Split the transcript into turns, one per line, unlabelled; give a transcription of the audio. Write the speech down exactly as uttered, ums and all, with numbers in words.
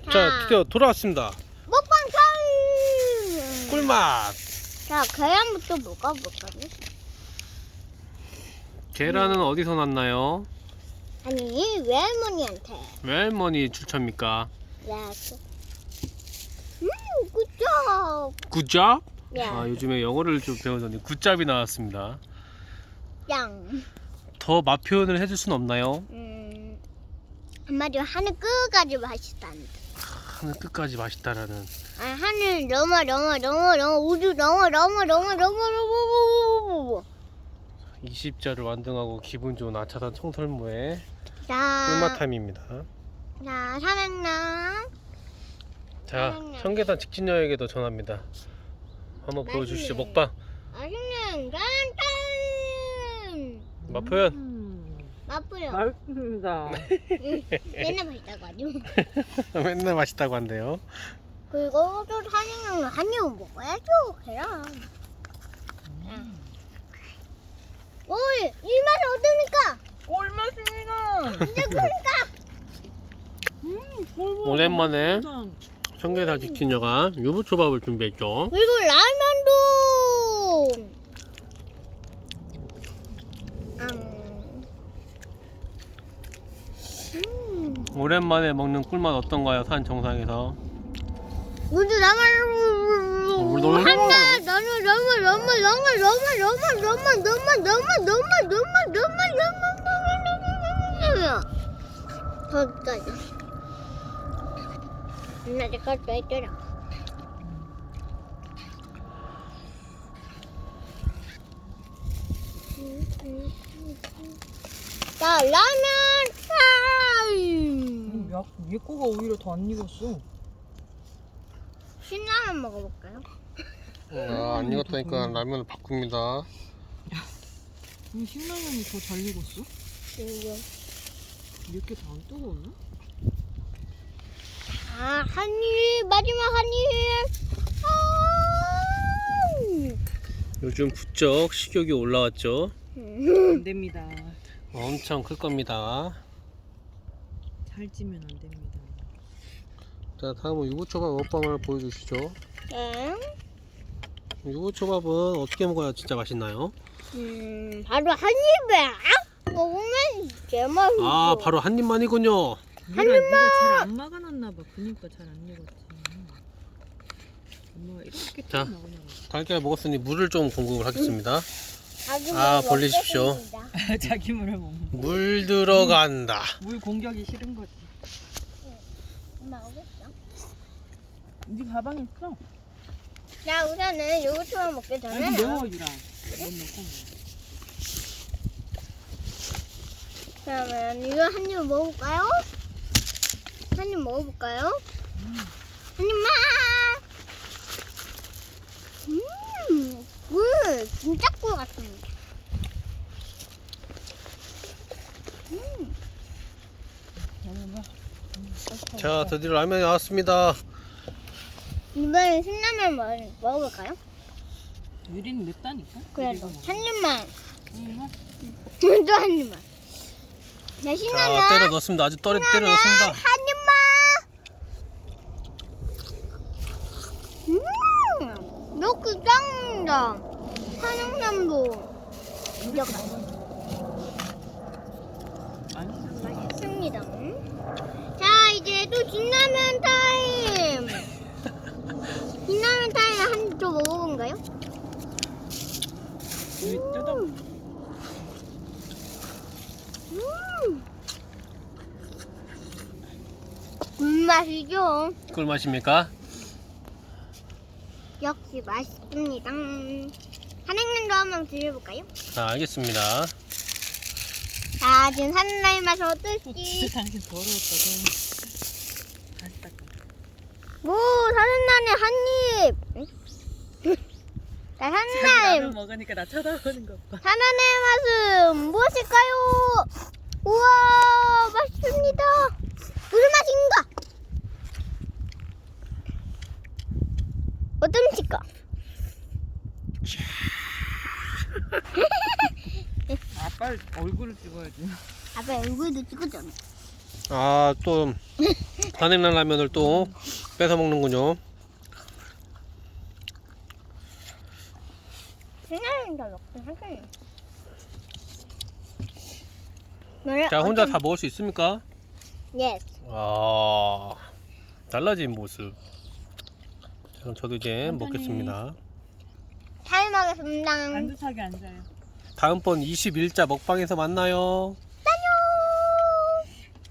자, 드디어 돌아왔습니다.
먹방 타임!
꿀맛.
자, 계란부터 먹어볼까요?
계란은 어디서 났나요?
아니, 외할머니한테.
외할머니 추천입니까?
야, 음, 굿잡.
굿잡?
야,
아, 요즘에 영어를 좀 배우더니 굿잡이 나왔습니다.
짱.
더 맛 표현을 해줄 순 없나요?
음, 한마디로 하늘 끝까지 맛있다는데.
하늘 끝까지 맛있다라는.
아, 하늘 너무 너무 너무 너무 우주 너무 너무 너무 너무 너무
이십 자를 완등하고 기분 좋은 아차산 청설모의
자,
꿀맛 타임입니다.
자, 사랑랑.
자, 청계산 직진여에게도 전합니다. 한번 보여주시죠.
맛있네.
먹방.
맛있는 짠짠.
맛 표현.
음,
맛보여.
맛있습니다.
맨날 맛있다고 하죠.
맨날 맛있다고 한대요.
그리고 또 사장님은 한 입 먹어야죠. 계란. 오이, 이 맛이 어떠니까?
꿀맛입니다.
이제 그러니까.
음, 꿀맛.
오랜만에
진짜.
청계산 직진여가 유부초밥을 준비했죠.
그리고 라면도. 음. 음.
오랜만에 먹는 꿀맛 어떤가요? 산 정상에서.
우주 나만
너무
한다. 너무 너무 너무 너무 너무 너무 너무 너무 너무 너무 너무 너무 너무 너무 거기까지. 나 내가 또 했더라. 자, 라면 타임.
야, 얘 거가 오히려 더 안 익었어.
신라면 먹어볼까요?
아, 안 익었다니까 라면을 바꿉니다.
이 신라면이 더 잘 익었어?
이거.
이렇게 다 안 뜨거웠나?
아, 한 입, 마지막 한 입. 아,
요즘 부쩍 식욕이 올라왔죠.
안 됩니다.
엄청 클 겁니다.
살찌면 안 됩니다.
자, 다음은 유부초밥 먹방을 보여주시죠.
네.
유부초밥은 어떻게 먹어야 진짜 맛있나요?
음, 바로 한 입에 악 먹으면 진짜 맛있어.
아, 바로 한 입만이군요.
얘가, 얘가 잘 안 막아놨나 봐. 그니까 잘 안 익었지. 엄마가 이렇게
자.
딱 막아놔.
달걀 먹었으니 물을 좀 공급을 하겠습니다.
자기
아,
먹을
벌리십시오.
먹겠습니다.
자기 물을 먹는.
물 들어간다.
물 공격이 싫은 거지.
엄마 오겠어?
네 가방에 있어?
자, 우선은 요거트만 먹기 전에
아니 매워주라. 못 넣고.
그러면 이거 한 입 먹어볼까요? 한 입 먹어볼까요? 한 입만! 음, 꿀! 진짜 꿀 같습니다. 음,
자, 드디어 라면이 나왔습니다.
이번엔 신라면 먹, 먹어볼까요?
유리는 맵다니까.
그래도
유리가
한 입만.
뭐.
또 한 입만. 자,
자,
신라면
때려 넣습니다. 아주 떨어 때려 넣습니다.
한 입만. 음, 이렇게 짱다. 한영남도 진짜 맛있습니다. 음. 자, 이제 또 진라면 타임. 진라면 타임 한 입 더 먹어본가요?
유리 뜯어.
음. 꿀맛이죠.
꿀맛입니까?
역시 맛있습니다. 한행면도 한번 드려볼까요?
자, 알겠습니다.
자, 지금 산나의 맛이
또
어떨지.
진짜 당신 더러웠거든. 다시 닦아.
오, 산나의 한 입. 응? 자,
자기
산나의
라면 먹으니까 나 쳐다보는 것 봐.
산나의 맛은 무엇일까요? 우와, 맛있습니다. 무슨 맛인가? 어떤 맛일까?
아빠 얼굴을 찍어야지.
아빠 얼굴도 찍었잖아.
아, 또 한입날 라면을 또 뺏어 먹는군요.
신나는 더 먹긴 하겠네. 너네
자, 혼자
어떤-
다 먹을 수 있습니까?
Yes.
아, 달라진 모습. 자, 그럼 저도 이제
천천히.
먹겠습니다.
타임 하겠습니다.
안주차게 앉아요.
다음번 이십일자 먹방에서 만나요.